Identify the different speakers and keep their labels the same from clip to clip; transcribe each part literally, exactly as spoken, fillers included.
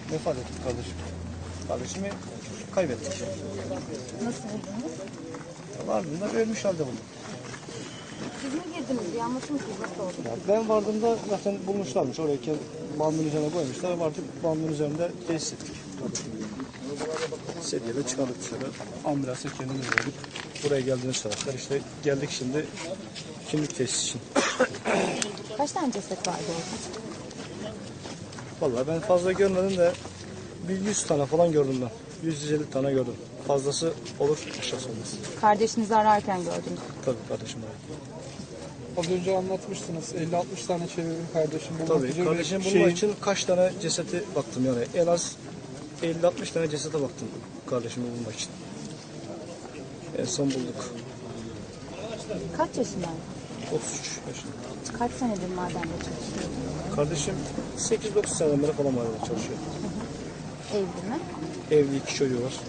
Speaker 1: vefat etti kardeşim. Kardeşimi kaybettik.
Speaker 2: Nasıl buldunuz?
Speaker 1: Vardığında ölmüş halde buldum.
Speaker 2: Siz mi girdiniz? Bir anlatır mısınız? Nasıl oldu?
Speaker 1: Ya ben vardığımda zaten bulmuşlarmış. Oraya bandın üzerine koymuşlar. Vardık bandın üzerinde tesis ettik. Sedyeyle çıkardık dışarı. Ambulansa kendimiz verdik. Buraya geldiğini söylediler. İşte geldik şimdi kimlik tesis için.
Speaker 2: Kaç tane ceset vardı orada?
Speaker 1: Vallahi ben fazla görmedim de bir yüz tane falan gördüm ben. yüz yüz elli tane gördüm. Fazlası olur, aşağısı olmaz.
Speaker 2: Kardeşinizi ararken gördünüz.
Speaker 1: Tabii kardeşim var.
Speaker 3: Az önce anlatmıştınız. elli altmış tane çevirdim kardeşim bulmak
Speaker 1: Tabii
Speaker 3: üzere.
Speaker 1: kardeşim bulmak
Speaker 3: Şeyin-
Speaker 1: için kaç tane cesete baktım yani. En az elli altmış tane cesete baktım kardeşimi bulmak için. En son bulduk.
Speaker 2: Kaç yaşındaydı?
Speaker 1: otuz üç yaşında.
Speaker 2: Kaç senedir madende çalışıyordu?
Speaker 1: Kardeşim sekiz dokuz seneden beri falan mahallede çalışıyor.
Speaker 2: Evli mi?
Speaker 1: Evli, iki çocuğu var.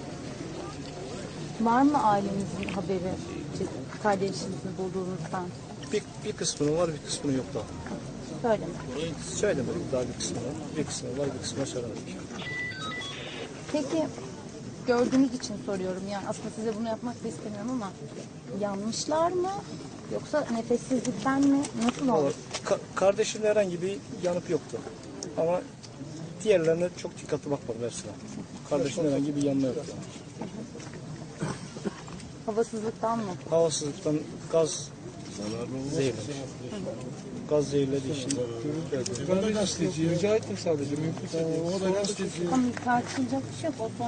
Speaker 2: Var mı ailenizin haberi ce- kardeşinizi bulduğunuzdan?
Speaker 1: Bir, bir kısmının var, bir kısmının yok daha.
Speaker 2: Söyleme.
Speaker 1: Söylemedik daha bir kısmını. Bir kısmı var, bir kısmını söylemedik.
Speaker 2: Peki gördüğünüz için soruyorum. Yani aslında size bunu yapmak da istemiyorum ama yanmışlar mı? Yoksa nefessizlikten mi? Nasıl
Speaker 1: Vallahi
Speaker 2: oldu?
Speaker 1: ka- kardeşimde herhangi bir yanıp yoktu. Ama diğerlerine çok dikkatli bakmadım hepsine. Kardeşimde herhangi bir yanma yoktu.
Speaker 2: Havasızlıktan mı?
Speaker 1: Havasızlıktan gaz zehirlemiş. Gaz zehirlediği için.
Speaker 3: Ben de gazeteci rica ettim sadece. Mümkünse.
Speaker 2: Ama tartışılacak bir şey yok. O